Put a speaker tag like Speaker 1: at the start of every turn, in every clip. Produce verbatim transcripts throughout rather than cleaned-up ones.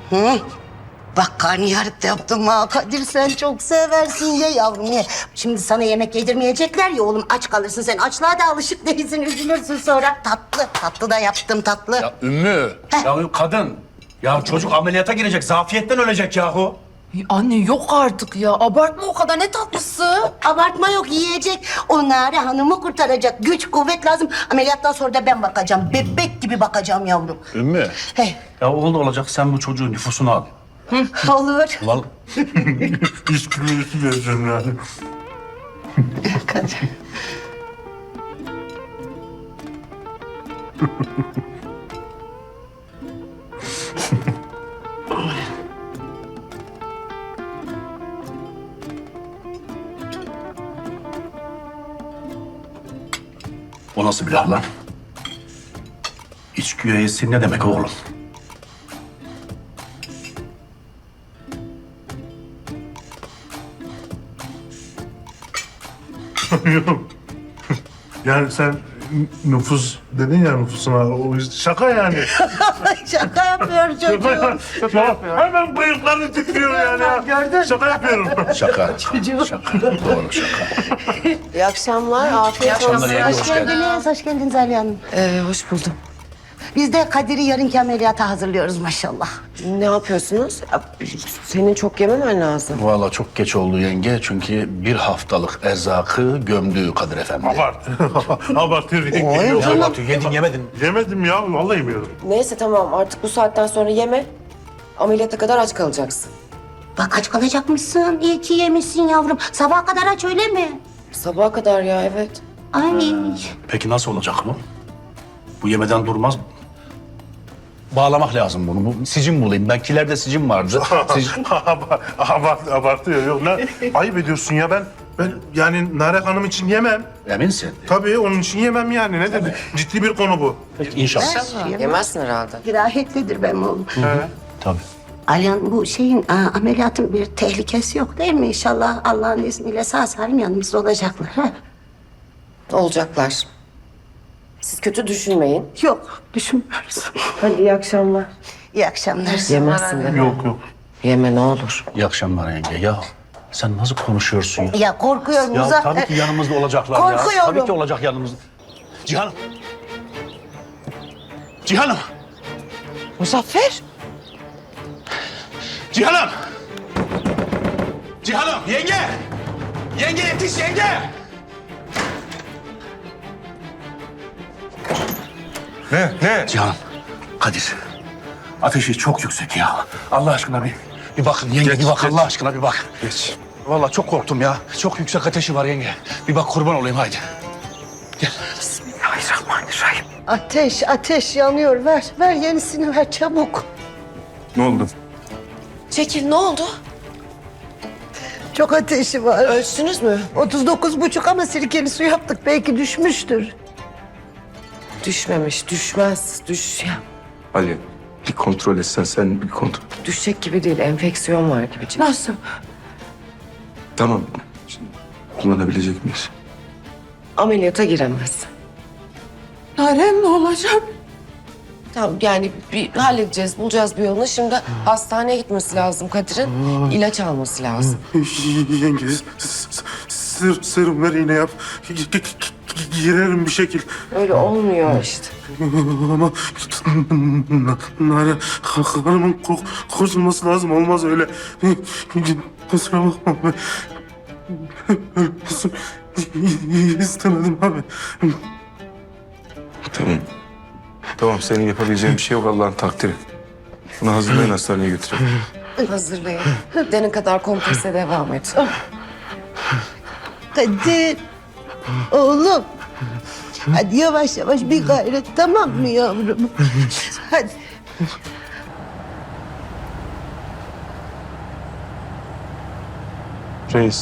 Speaker 1: Hı? Bak karnıyarık da yaptım ha. Kadir sen çok seversin ye yavrum ye. Şimdi sana yemek yedirmeyecekler ya oğlum aç kalırsın sen. Açlığa da alışık değilsin üzülürsün sonra. Tatlı tatlı da yaptım tatlı.
Speaker 2: Ya Ümmü.
Speaker 3: Ya kadın. Ya çocuk ameliyata girecek. Zafiyetten ölecek yahu.
Speaker 4: Ay anne yok artık ya. Abartma o kadar, ne tatlısı.
Speaker 1: Abartma yok yiyecek. O Nare Hanım'ı kurtaracak. Güç kuvvet lazım. Ameliyattan sonra da ben bakacağım. Bebek gibi bakacağım yavrum.
Speaker 2: Ümmü.
Speaker 1: Hey.
Speaker 3: Ya oldu olacak sen bu çocuğun nüfusunu al.
Speaker 1: Hı, olur.
Speaker 3: Vallahi.
Speaker 5: Üç kilo üstü vereceğim yani.
Speaker 1: Kadir.
Speaker 3: O nasıl bir laf lan? İç güveysi ne demek oğlum?
Speaker 5: Yok. Yani sen nüfus dedin ya nüfusuna. O yüzden şaka yani.
Speaker 1: Şaka yapıyor
Speaker 5: Şaka,
Speaker 1: çocuğum.
Speaker 5: şaka yapıyor. Hemen bıyıklarını titriyor yani ya.
Speaker 1: Gördün.
Speaker 5: Şaka yapıyorum.
Speaker 2: Şaka. Şaka. Doğru şaka.
Speaker 6: İyi akşamlar, afiyet olsun.
Speaker 3: akşamlar, yenge,
Speaker 1: Hoş
Speaker 3: hoş geldin.
Speaker 1: geldiniz, hoş geldiniz Aliye Hanım.
Speaker 4: Ee, hoş buldum.
Speaker 1: Biz de Kadir'i yarınki ameliyata hazırlıyoruz maşallah.
Speaker 6: Ne yapıyorsunuz? Ya, senin çok yememen lazım.
Speaker 2: Vallahi çok geç oldu yenge. Çünkü bir haftalık erzakı gömdü Kadir Efendi.
Speaker 5: Abart. Abartıyor. Yok.
Speaker 3: Ya Batu yedin yemedin.
Speaker 5: Yemedim ya. Vallahi yemiyorum.
Speaker 6: Neyse tamam, artık bu saatten sonra yeme. Ameliyata kadar aç kalacaksın.
Speaker 1: Bak aç kalacakmışsın. İyi ki yemişsin yavrum. Sabaha kadar aç öyle mi?
Speaker 6: Sabaha kadar ya, evet.
Speaker 1: Ay.
Speaker 3: Peki nasıl olacak bu? Bu yemeden durmaz mı?
Speaker 2: Bağlamak lazım bunu. Bu sicim bulayım. Belkilerde sicim vardı. Sicim...
Speaker 5: Abart, abartıyor. Yok ne? Ayıp ediyorsun ya ben. Ben yani Nare Hanım için yemem.
Speaker 2: Eminsin.
Speaker 5: Tabii onun için yemem yani. Nedir? Ciddi bir konu bu.
Speaker 2: İnşallah.
Speaker 6: Yemezsin herhalde.
Speaker 1: Dirayetlidir benim oğlum.
Speaker 2: Tabii.
Speaker 1: Alihan bu şeyin aa, ameliyatın bir tehlikesi yok değil mi? İnşallah Allah'ın izniyle sağ salim yanımızda olacaklar. Ha?
Speaker 6: Olacaklar. Siz kötü düşünmeyin.
Speaker 1: Yok düşünmüyoruz.
Speaker 6: Hadi iyi akşamlar.
Speaker 1: İyi akşamlar.
Speaker 6: Yemezsin değil mi?
Speaker 5: Yok yok.
Speaker 6: Yeme ne olur.
Speaker 2: İyi akşamlar yenge. Ya sen nasıl konuşuyorsun ya?
Speaker 1: Ya korkuyorum
Speaker 2: Ya
Speaker 1: Muzaffer.
Speaker 2: tabii ki yanımızda olacaklar ya.
Speaker 1: Korkuyorum.
Speaker 2: Tabii ki olacak yanımızda. Cihan'ım. Cihan'ım.
Speaker 4: Muzaffer.
Speaker 2: Cihan'ım. Cihan'ım. Yenge. Yenge yetiş yenge.
Speaker 5: Ne? Ne?
Speaker 2: Cihan'ım. Kadir. Ateşi çok yüksek ya. Allah aşkına bir, bir bakın yenge
Speaker 5: Geç,
Speaker 2: bir bak
Speaker 5: geç.
Speaker 2: Allah aşkına bir bak.
Speaker 5: Geç.
Speaker 2: Vallahi çok korktum ya. Çok yüksek ateşi var yenge. Bir bak kurban olayım haydi. Gel.
Speaker 4: Bismillahirrahmanirrahim.
Speaker 1: Ateş ateş yanıyor ver. Ver yenisini ver çabuk.
Speaker 5: Ne oldu?
Speaker 6: Çekil, ne oldu?
Speaker 1: Çok ateşi var.
Speaker 6: Ölçtünüz mü?
Speaker 1: otuz dokuz buçuk ama sirkeli su yaptık. Belki düşmüştür.
Speaker 6: Düşmemiş, düşmez. Düş ya.
Speaker 7: Ali bir kontrol etsen sen bir kontrol.
Speaker 6: Düşecek gibi değil, enfeksiyon var gibi.
Speaker 4: Nasıl?
Speaker 7: Tamam. Şimdi kullanabilecek miyiz?
Speaker 6: Ameliyata giremez.
Speaker 4: Narem ne olacak?
Speaker 6: Tamam yani bir halledeceğiz, bulacağız bir yolunu. Şimdi hastaneye gitmesi lazım Kadir'in. İlaç alması lazım.
Speaker 5: Yenge, sır, serum ver iğne yap. Girerim bir şekil.
Speaker 6: Öyle olmuyor işte.
Speaker 5: Ama Nare Hanım'ın kur- kurtulması lazım. Olmaz öyle. Kusura bakma. Öyle olsun istemedim abi.
Speaker 7: Tamam. Tamam senin yapabileceğin bir şey yok Allah'ın takdiri. Bunu hazırlayın hastaneye götürelim.
Speaker 6: Hazırlayın. Denin kadar komprese devam et.
Speaker 1: Kadir. Oğlum. Hadi yavaş yavaş bir gayret tamam mı yavrum? Hadi.
Speaker 5: Reis.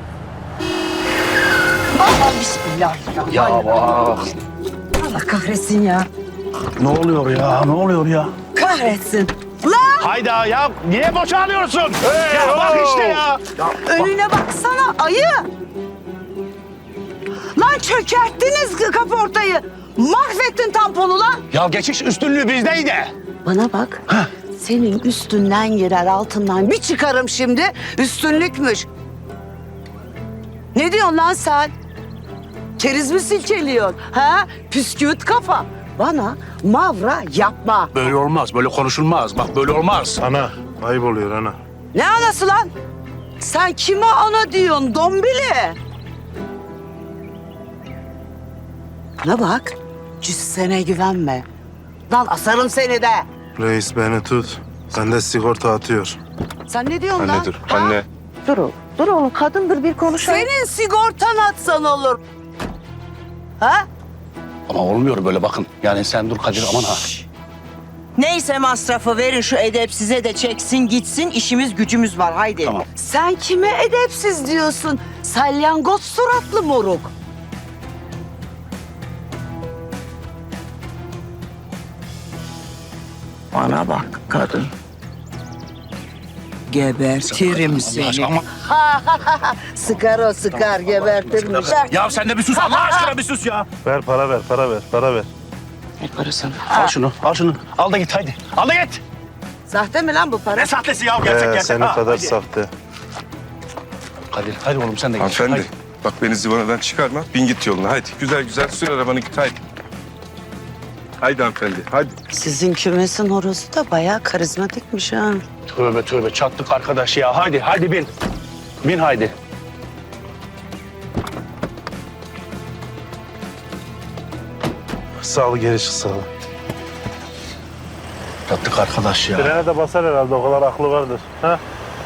Speaker 1: Bismillahirrahmanirrahim.
Speaker 2: Ya bak.
Speaker 1: Allah kahretsin ya.
Speaker 2: Ne oluyor ya? Ne oluyor ya?
Speaker 1: Kahretsin.
Speaker 2: Hayda ya niye boşalıyorsun? ya bak işte ya.
Speaker 8: Önüne baksana ayı. Lan çökerttiniz kaportayı. Mahvettin tamponu lan.
Speaker 2: Ya geçiş üstünlüğü bizdeydi.
Speaker 1: Bana bak.
Speaker 8: senin üstünden girer altından bir çıkarım şimdi üstünlükmüş. Ne diyorsun lan sen? Keriz mi silkeliyorsun? Ha? Püsküvit kafa. Bana mavra yapma.
Speaker 2: Böyle olmaz, böyle konuşulmaz. Bak böyle olmaz.
Speaker 5: Ana, ayıp oluyor ana.
Speaker 8: Ne anası lan? Sen kime ana diyorsun dombili? Ne bak, cüssene güvenme. Lan asarım seni de.
Speaker 5: Reis beni tut. Bende sigorta atıyor.
Speaker 8: Sen ne diyorsun lan?
Speaker 7: Anne dur,
Speaker 8: Ha?
Speaker 7: anne.
Speaker 8: Dur oğlum, dur oğlum. Kadındır bir konuşalım. Senin sigortan atsan olur. Ha?
Speaker 2: Ama olmuyor böyle bakın. Yani sen dur Kadir aman ha.
Speaker 8: Neyse masrafı verin şu edepsize de çeksin gitsin. İşimiz gücümüz var haydi.
Speaker 2: Tamam.
Speaker 8: Sen kime edepsiz diyorsun? Salyangoz suratlı moruk. Bana bak kadın. Gebertirim seni.
Speaker 2: Ama...
Speaker 8: Sıkar o sıkar gebertirmiş.
Speaker 2: Ya sen de bir sus Allah aşkına bir sus ya.
Speaker 5: Ver para ver, para ver, para ver.
Speaker 2: Al şunu, al şunu. Al da git haydi. Al da git.
Speaker 8: Sahte mi lan bu para?
Speaker 2: Ne sahtesi ya gerçek
Speaker 5: Ee,
Speaker 2: gerçek.
Speaker 5: senin
Speaker 2: Ha,
Speaker 5: kadar
Speaker 2: hadi.
Speaker 5: sahte.
Speaker 2: Kadir hadi oğlum sen de git.
Speaker 7: Hanımefendi,
Speaker 2: Haydi.
Speaker 7: bak beni zıvanadan çıkarma. Bin git yoluna. Haydi güzel güzel sür arabanı git haydi. Haydi hanımefendi, haydi.
Speaker 8: Sizin kümesin horozu da bayağı karizmatikmiş ha.
Speaker 2: Tövbe tövbe çattık arkadaş ya. Haydi haydi bin. Bin haydi.
Speaker 5: Sağ ol, geri çık sağ ol.
Speaker 2: Çattık arkadaş ya.
Speaker 5: Frene de basar herhalde, o kadar aklı vardır. Ha?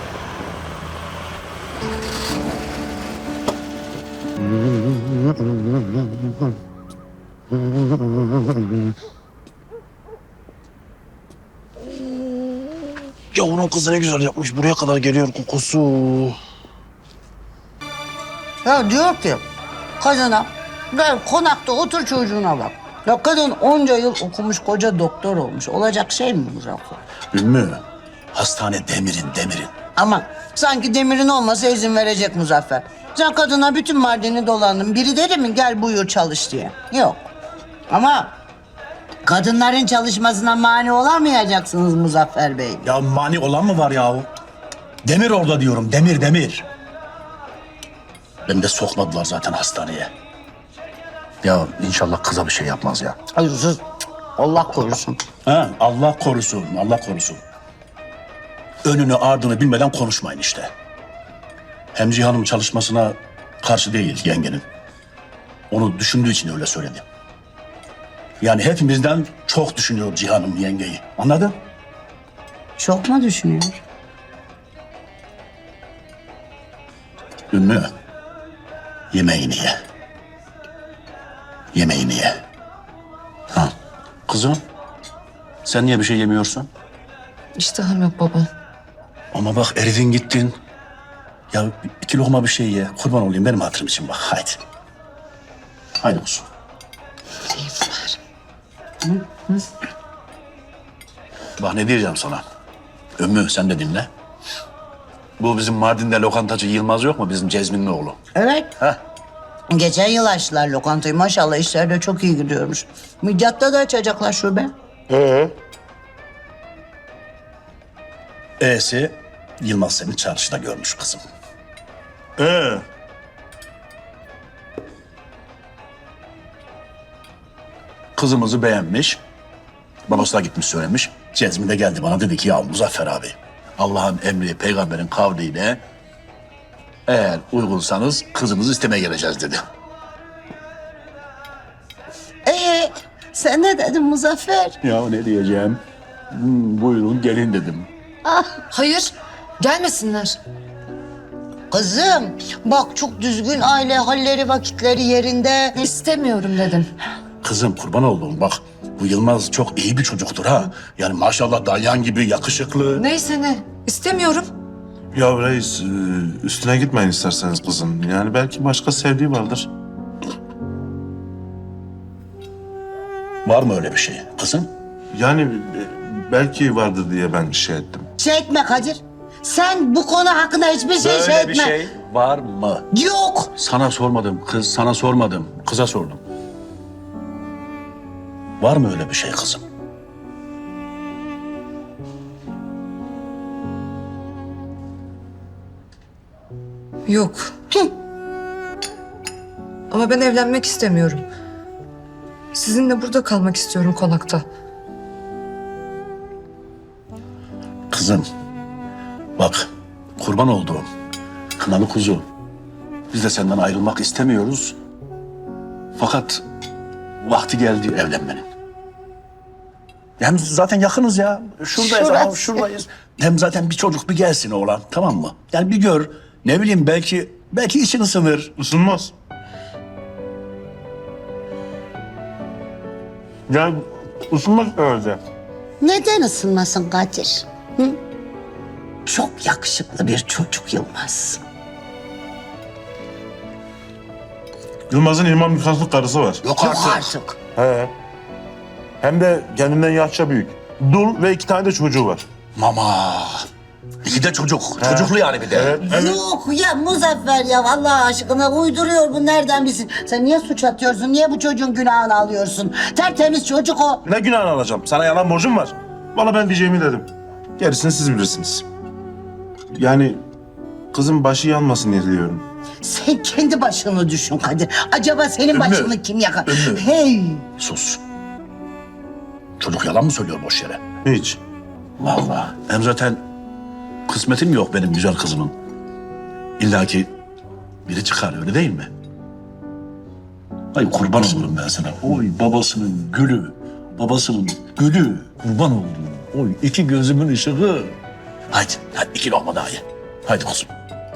Speaker 2: Yavrun kızı ne güzel yapmış. Buraya kadar geliyor kokusu.
Speaker 1: Ya diyor ki kadına gel konakta otur çocuğuna bak. Ya kadın onca yıl okumuş koca doktor olmuş. Olacak şey mi bu Muzaffer?
Speaker 2: Ümmü, hastane demirin demirin.
Speaker 1: Ama sanki demirin olmasa izin verecek Muzaffer. Sen kadına bütün Mardin'i dolandın. Biri dedi mi gel buyur çalış diye. Yok. Ama kadınların çalışmasına mani olamayacaksınız Muzaffer Bey.
Speaker 3: Ya mani olan mı var yahu? Demir orada diyorum, demir demir.
Speaker 2: Beni de sokmadılar zaten hastaneye. Ya inşallah kıza bir şey yapmaz ya.
Speaker 1: Hayır sus. Allah korusun.
Speaker 3: Ha, Allah korusun, Allah korusun. Önünü ardını bilmeden konuşmayın işte. Hem Cihan'ın çalışmasına karşı değil yengenin. Onu düşündüğü için öyle söyledi. Yani hepimizden çok düşünüyor Cihan'ım yengeyi. Anladın?
Speaker 1: Çok mu düşünüyor?
Speaker 2: Ümmü, yemeğini ye. Yemeğini ye. Ha, kızım, sen niye bir şey yemiyorsun?
Speaker 4: İştahım yok baba.
Speaker 2: Ama bak eridin gittin. Ya iki lokma bir şey ye. Kurban olayım benim hatırım için bak. Haydi. Haydi kuzum. Bak ne diyeceğim sana. Ümmü sen de dinle. Bu bizim Mardin'de lokantacı Yılmaz yok mu? Bizim Cezmin'in oğlu.
Speaker 1: Evet.
Speaker 2: Heh.
Speaker 1: Geçen yıl açtılar lokantayı. Maşallah işler de çok iyi gidiyormuş. Midyat'ta da açacaklar şube.
Speaker 2: E'si Yılmaz seni çarşıda görmüş kızım.
Speaker 5: Ee,
Speaker 2: Kızımızı beğenmiş. Babası da gitmiş söylemiş. Cezmi de geldi bana dedi ki ya Muzaffer abi Allah'ın emri peygamberin kavliyle eğer uygunsanız kızımızı istemeye geleceğiz dedi.
Speaker 1: Ee, sen ne dedin Muzaffer?
Speaker 2: Ya ne diyeceğim? Hmm, buyurun gelin dedim.
Speaker 4: Hayır, gelmesinler.
Speaker 1: Kızım bak çok düzgün aile halleri vakitleri yerinde.
Speaker 4: İstemiyorum dedim.
Speaker 2: Kızım kurban olduğum bak bu Yılmaz çok iyi bir çocuktur ha. Yani maşallah dalyan gibi yakışıklı.
Speaker 4: Neyse ne, istemiyorum.
Speaker 5: ya reis, e, üstüne gitmeyin isterseniz kızın. Yani belki başka sevdiği vardır.
Speaker 2: Var mı öyle bir şey kızım?
Speaker 5: Yani e, belki vardır diye ben bir şey ettim.
Speaker 1: Şey etme Kadir. Sen bu konu hakkında hiçbir şey şey etme.
Speaker 2: var mı?
Speaker 1: Yok.
Speaker 2: Sana sormadım kız, sana sormadım. Kıza sordum. Var mı öyle bir şey kızım?
Speaker 4: Yok. Ama ben evlenmek istemiyorum. Sizinle burada kalmak istiyorum konakta.
Speaker 3: Kızım, bak kurban olduğum kınalı kuzu. Biz de senden ayrılmak istemiyoruz. Fakat vakti geldi evlenmenin. Hem zaten yakınız ya. Şuradayız,
Speaker 1: Şurası.
Speaker 3: aha, şuradayız. Hem zaten bir çocuk bir gelsin oğlan, tamam mı? Yani bir gör, ne bileyim belki belki için ısınır.
Speaker 5: Isınmaz. Yani ısınmaz herhalde.
Speaker 1: Neden ısınmasın Kadir? Hı? Çok yakışıklı bir çocuk Yılmaz.
Speaker 5: Yılmaz'ın İmam Nikahlı karısı var.
Speaker 3: Yok
Speaker 1: Yok
Speaker 3: artık.
Speaker 1: artık.
Speaker 5: He. Hem de kendinden yaşça büyük. Dul ve iki tane de çocuğu var.
Speaker 3: Mama. İki de çocuk. Çocuklu yani bir de.
Speaker 5: Evet, evet.
Speaker 1: Yok ya Muzaffer ya Allah aşkına uyduruyor bu nereden bilsin? Sen niye suç atıyorsun? Niye bu çocuğun günahını alıyorsun? Tertemiz çocuk o.
Speaker 5: Ne günahını alacağım? Sana yalan borcum var. Valla ben diyeceğimi dedim. Gerisini siz bilirsiniz. Yani kızın başı yanmasın diye diliyorum.
Speaker 1: Sen kendi başını düşün Kadir. Acaba senin
Speaker 3: Ümmü,
Speaker 1: başını kim yakar?
Speaker 3: Ümmü.
Speaker 1: Hey!
Speaker 3: Sus. Çocuk yalan mı söylüyor boş yere?
Speaker 5: Hiç.
Speaker 3: Vallahi. Hem zaten kısmetim yok benim güzel kızımın. İlla ki biri çıkar öyle değil mi? Ay kurban olurum ben sana. Oy babasının gülü. Babasının gülü. Kurban oldum. Oy iki gözümün ışığı. Haydi, hadi iki lokma daha ye. Haydi kuzum.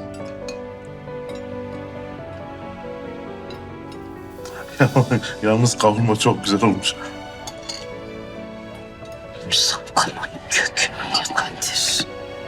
Speaker 5: Yalnız kavurma çok güzel olmuş.
Speaker 1: Sapkının kökünü Kadir.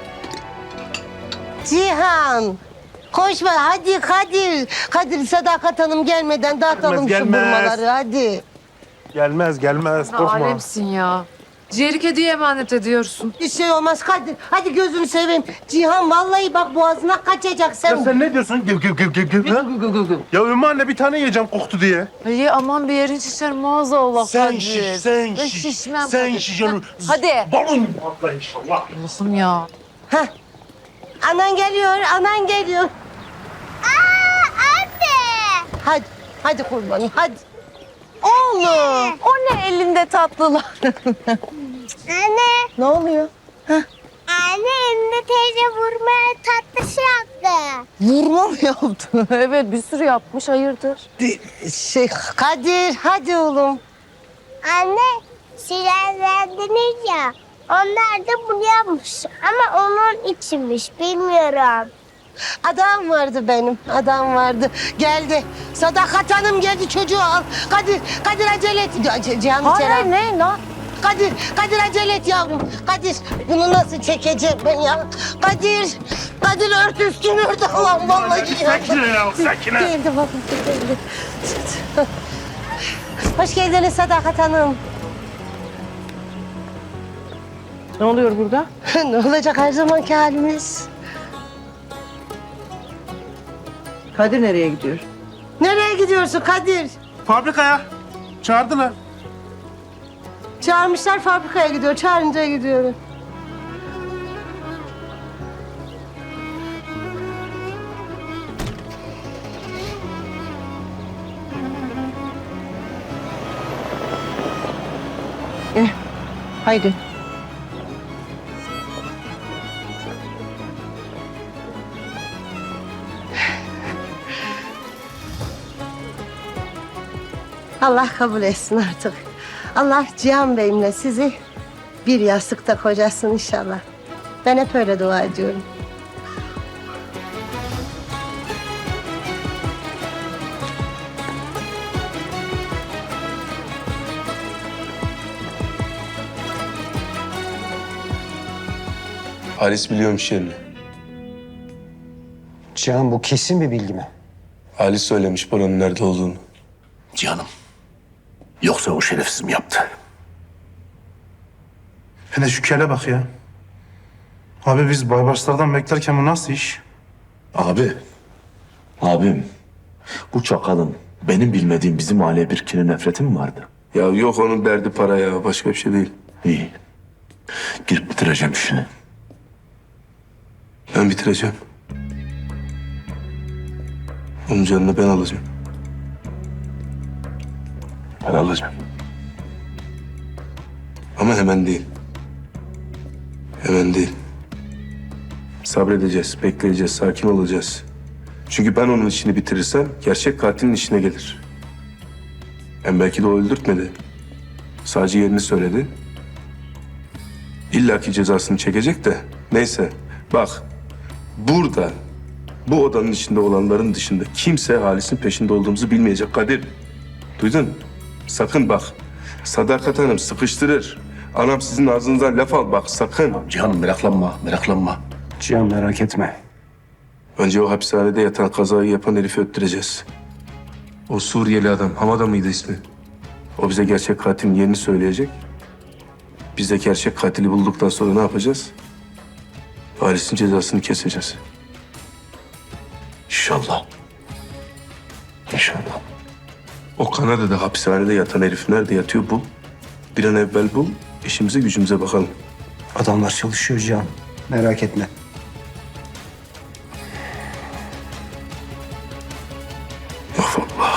Speaker 1: Cihan! Koşma hadi Kadir. Kadir Sadakat Hanım gelmeden dağıtalım
Speaker 5: Gelmez,
Speaker 1: şu
Speaker 5: gelmez.
Speaker 1: burmaları hadi.
Speaker 5: Gelmez gelmez korkma.
Speaker 4: Alemsin ya. Ciğeri kediye emanet ediyorsun.
Speaker 1: Bir şey olmaz Kadir. Hadi gözünü seveyim. Cihan vallahi bak boğazına kaçacak sen.
Speaker 5: Ya sen ne diyorsun? Gıv gıv gıv gıv gıv. ha? Ya Ümmü anne bir tane yiyeceğim koktu diye.
Speaker 4: İyi aman bir yerin şişer maazallah
Speaker 5: Sen
Speaker 4: Kadir.
Speaker 5: şiş, sen
Speaker 4: Ben
Speaker 5: şiş.
Speaker 4: şişmem
Speaker 5: Sen
Speaker 4: Kadir.
Speaker 5: şiş. onu-
Speaker 4: Hadi.
Speaker 5: Balon patla inşallah.
Speaker 4: Allah'ım ya.
Speaker 1: Heh. Anan geliyor, anan geliyor.
Speaker 9: Aa, anne!
Speaker 1: Hadi, hadi kurbanım, hadi. Oğlum, o ne elinde tatlılar?
Speaker 9: Anne,
Speaker 1: Ne oluyor?
Speaker 9: anne Emine teyze vurmaya tatlısı yaptı.
Speaker 1: Vurma mı yaptı?
Speaker 4: Evet bir sürü yapmış hayırdır?
Speaker 1: Şey, Kadir, hadi oğlum.
Speaker 9: Anne, silahlandınız ya. Onlar da bunu yapmış. Ama onun içinmiş, bilmiyorum.
Speaker 1: Adam vardı benim, adam vardı. Geldi. Sadakat Hanım geldi, çocuğu al. Kadir, Kadir acele et. C- Cihan içeri al.
Speaker 4: Hayır ne lan?
Speaker 1: Kadir, Kadir acele et yavrum. Kadir, bunu nasıl çekeceğim ben ya? Kadir, Kadir ört üstünü ört. Allah'ım vallahi ya.
Speaker 5: Sakine ya sakine.
Speaker 1: Geldi baba, geldi. Hoş geldiniz Sadakat Hanım.
Speaker 8: Ne oluyor burada?
Speaker 1: Ne olacak her zamanki halimiz?
Speaker 8: Kadir nereye gidiyor?
Speaker 1: Nereye gidiyorsun Kadir?
Speaker 5: Fabrikaya. Çağırdılar.
Speaker 1: Çağırmışlar fabrikaya gidiyor, çağırınca gidiyor.
Speaker 8: Eh, haydi.
Speaker 1: Allah kabul etsin artık. Allah Cihan Bey'imle sizi bir yastıkta kocasın inşallah. Ben hep öyle dua ediyorum.
Speaker 7: Halis biliyormuş yerini.
Speaker 10: Cihan bu kesin bir bilgi mi?
Speaker 7: Halis söylemiş buranın nerede olduğunu.
Speaker 3: Cihanım. Yoksa o şerefsiz mi yaptı?
Speaker 5: Hele şu kele bak ya. Abi biz Baybarslardan beklerken bu nasıl iş?
Speaker 11: Abi, abim bu çakalın benim bilmediğim bizim aileye bir kine nefreti mi vardı?
Speaker 7: Ya yok onun derdi para ya. Başka bir şey değil.
Speaker 11: İyi. Girip bitireceğim işini.
Speaker 7: Ben bitireceğim. Onun canını ben alacağım. Ben alacağım. Ama hemen değil. Hemen değil. Sabredeceğiz, bekleyeceğiz, sakin olacağız. Çünkü ben onun işini bitirirsem gerçek katilin işine gelir. Hem belki de o öldürtmedi. Sadece yerini söyledi. İlla ki cezasını çekecek de. Neyse bak burada bu odanın içinde olanların dışında kimse Halis'in peşinde olduğumuzu bilmeyecek Kadir. Duydun? Sakın bak. Sadakat Hanım sıkıştırır. Anam sizin ağzınızdan laf al bak sakın.
Speaker 3: Cihan'ım meraklanma, meraklanma.
Speaker 10: Cihan merak etme.
Speaker 7: Önce o hapishanede yatan kazayı yapan herifi öttüreceğiz. O Suriyeli adam, Hamada mıydı ismi? O bize gerçek katilin yerini söyleyecek. Biz de gerçek katili bulduktan sonra ne yapacağız? Halis'in cezasını keseceğiz.
Speaker 3: İnşallah. İnşallah.
Speaker 7: O Kanada'da hapishanede yatan herif nerede yatıyor bul. Bir an evvel bul, işimize gücümüze bakalım.
Speaker 10: Adamlar çalışıyor Cihan. Merak etme.
Speaker 7: Of Allah.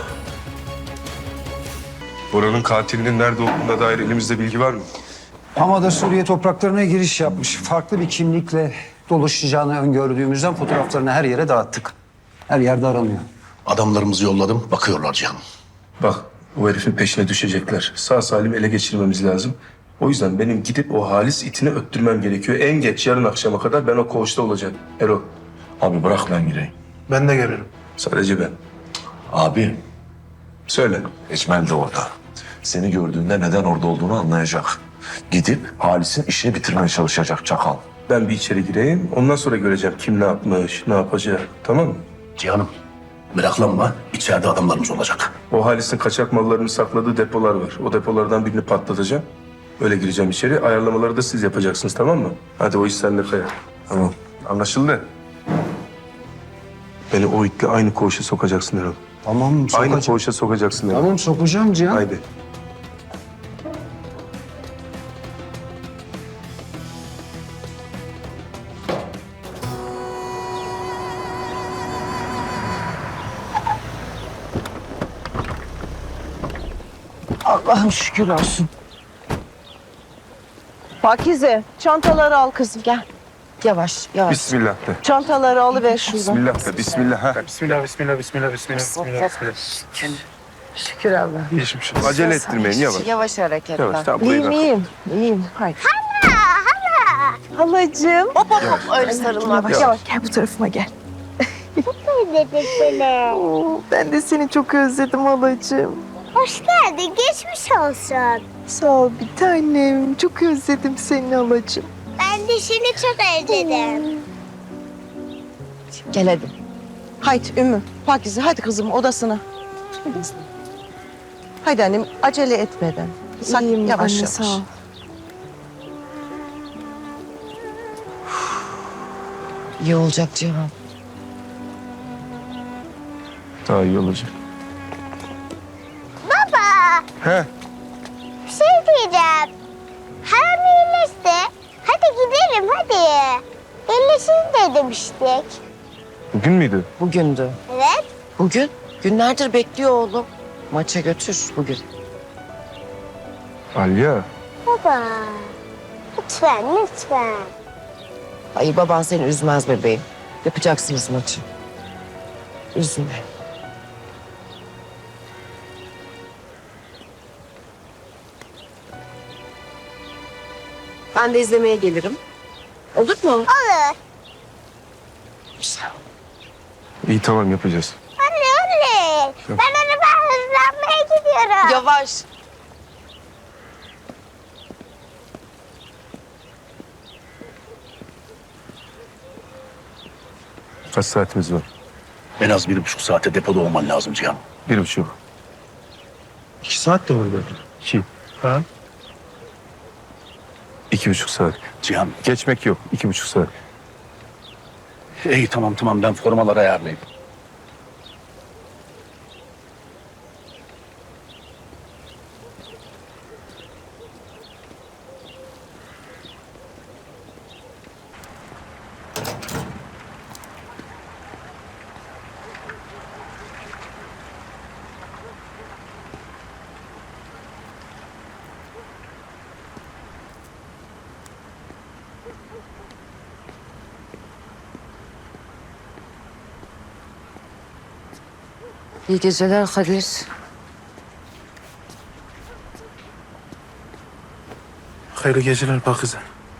Speaker 7: Buranın katilinin nerede olduğuna dair elimizde bilgi var mı?
Speaker 10: Hamada Suriye topraklarına giriş yapmış. Farklı bir kimlikle dolaşacağını öngördüğümüzden fotoğraflarını her yere dağıttık. Her yerde aranıyor.
Speaker 3: Adamlarımızı yolladım, bakıyorlar Cihan'ım.
Speaker 7: Bak, o herifin peşine düşecekler. Sağ salim ele geçirmemiz lazım. O yüzden benim gidip o Halis itini öttürmem gerekiyor. En geç yarın akşama kadar ben o koğuşta olacağım. Erol.
Speaker 3: Abi bırak ben gireyim.
Speaker 7: Ben de gelirim. Sadece ben.
Speaker 11: Abi,
Speaker 7: Söyle.
Speaker 11: Ecmel de orada. Seni gördüğünde neden orada olduğunu anlayacak. Gidip Halis'in işini bitirmeye çalışacak çakal.
Speaker 7: Ben bir içeri gireyim. Ondan sonra göreceğim kim ne yapmış, ne yapacak. Tamam mı?
Speaker 3: Cihan'ım meraklanma, içeride adamlarımız olacak.
Speaker 7: O Halis'in kaçak mallarını sakladığı depolar var. O depolardan birini patlatacağım. Öyle gireceğim içeri. Ayarlamaları da siz yapacaksınız tamam mı? Hadi o iş sende Kaya. Tamam. Anlaşıldı. Beni o itle aynı koğuşa sokacaksın Erol.
Speaker 10: Tamam
Speaker 7: Aynı
Speaker 10: sokacağım.
Speaker 7: koğuşa sokacaksın Erol.
Speaker 10: Tamam sokacağım Cihan.
Speaker 7: Haydi.
Speaker 8: Allah'ım şükür olsun. Pakize, çantaları al kızım gel. Yavaş, yavaş.
Speaker 7: Bismillah de.
Speaker 8: Çantaları alıver şuradan.
Speaker 7: Bismillah de. Bismillah. Ha.
Speaker 5: Bismillah, bismillah, bismillah, bismillah, bismillah.
Speaker 8: Şükür Allah.
Speaker 7: Geçmiş olsun. Acele ettirmeyin yavaş.
Speaker 6: Yavaş hareketler.
Speaker 7: Yavaş. Tamam burayı
Speaker 8: İyiyim,
Speaker 7: bırak.
Speaker 8: iyiyim. İyiyim. Haydi. Hala, hala. Halacığım. Hop hop hop. Öyle sarılmak. Yavaş, yavaş. Gel bu tarafıma gel.
Speaker 9: Dedik seni.
Speaker 8: Ben de seni çok özledim halacığım.
Speaker 9: Hoş geldin. Geçmiş olsun.
Speaker 8: Sağ ol bir tanem. Çok özledim seni halacığım.
Speaker 9: Ben de seni çok özledim.
Speaker 8: Gel hadi. Haydi Ümmü, Pakize hadi kızım odasına. Haydi annem acele etmeden. Sak, yavaş yavaş. Sağ ol.
Speaker 6: İyi olacak Cihan.
Speaker 7: Daha iyi olacak.
Speaker 9: Baba.
Speaker 7: He.
Speaker 9: Bir şey diyeceğim. Haram iyileşti. Hadi gidelim hadi. İyileşin de demiştik.
Speaker 7: Bugün müydü?
Speaker 6: Bugündü.
Speaker 9: Evet.
Speaker 6: Bugün? Günlerdir bekliyor oğlum. Maça götür bugün.
Speaker 7: Alya.
Speaker 9: Baba. Lütfen lütfen.
Speaker 6: Ay baban seni üzmez bebeğim. Yapacaksınız maçı. Üzme. Ben de izlemeye gelirim. Olur mu?
Speaker 9: Olur.
Speaker 7: İyi tamam yapacağız.
Speaker 9: Anne anne. Ben araba hızlanmaya gidiyorum.
Speaker 6: Yavaş.
Speaker 7: Kaç saatimiz var?
Speaker 3: En az bir buçuk saate depoda olman lazım Cihan.
Speaker 7: Bir buçuk.
Speaker 5: İki saat de var böyle.
Speaker 7: İki.
Speaker 5: Ha?
Speaker 7: İki buçuk saat.
Speaker 3: Cihan.
Speaker 7: Geçmek yok. İki buçuk saat.
Speaker 3: İyi tamam tamam ben formaları ayarlayayım.
Speaker 4: İyi geceler Kadir.
Speaker 5: Hayırlı geceler Pakize.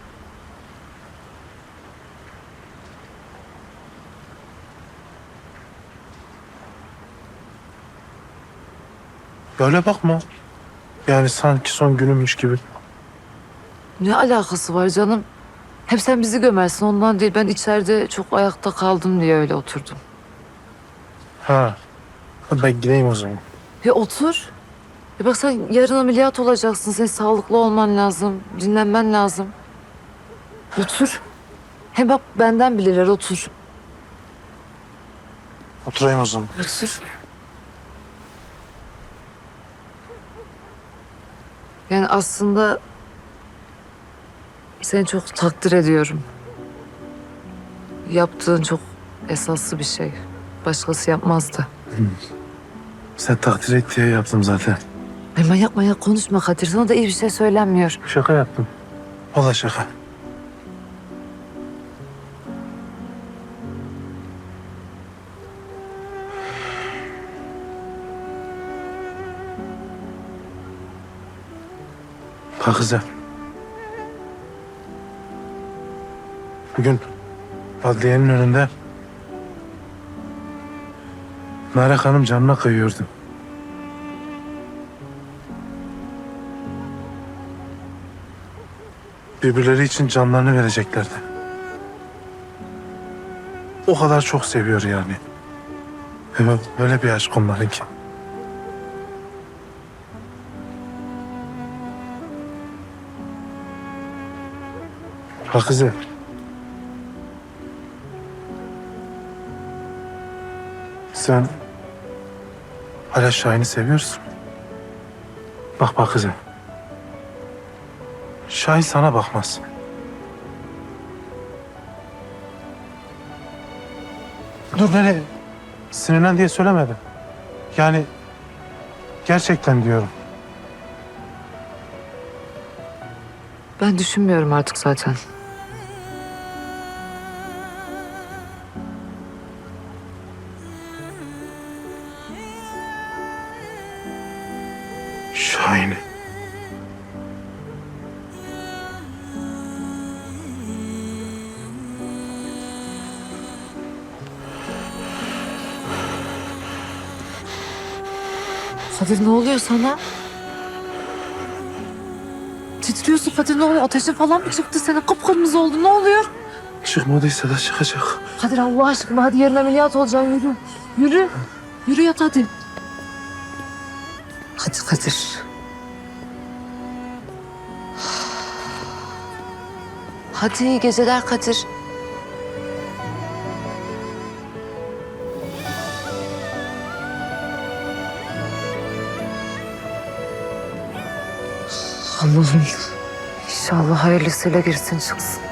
Speaker 5: Böyle bakma. Yani sanki son günümmüş gibi.
Speaker 4: Ne alakası var canım? Hep sen bizi gömersin ondan değil. Ben içeride çok ayakta kaldım diye öyle oturdum.
Speaker 5: Ha. Ben gideyim o zaman.
Speaker 4: Ya otur. Ya bak sen yarın ameliyat olacaksın. Senin sağlıklı olman lazım. Dinlenmen lazım. Otur. Hem bak benden bilirler otur.
Speaker 5: Oturayım o zaman.
Speaker 4: Otur. Yani aslında seni çok takdir ediyorum. Yaptığın çok esaslı bir şey. Başkası yapmazdı.
Speaker 5: Sen takdir et diye yaptım zaten.
Speaker 4: Ay manyak manyak konuşma Kadir. Sana da iyi bir şey söylenmiyor.
Speaker 5: Şaka yaptım. Valla şaka. Pakize. Bugün adliyenin önünde Merak Hanım canına kıyıyordu. Birbirleri için canlarını vereceklerdi. O kadar çok seviyor yani. Evet, böyle bir aşk onlarınki. Pakize. Sen hala Şahin'i seviyorsun. Bak Pakize. Şahin sana bakmaz. Dur nereye? Sinirlen diye söylemedim. Yani gerçekten diyorum.
Speaker 4: Ben düşünmüyorum artık zaten.
Speaker 5: Şahin'i.
Speaker 4: Kadir ne oluyor sana? Titriyorsun Kadir, ne oluyor? Ateşin falan mı çıktı senin? Kıpkırmızı oldu, ne oluyor?
Speaker 5: Çıkmadıysa da çıkacak.
Speaker 4: Kadir Allah aşkına hadi yarın ameliyat olacaksın, yürü. Yürü. Yürü yat hadi. Hadi Kadir. Hadi iyi geceler Kadir. Allah'ım inşallah hayırlısıyla girsin çıksın.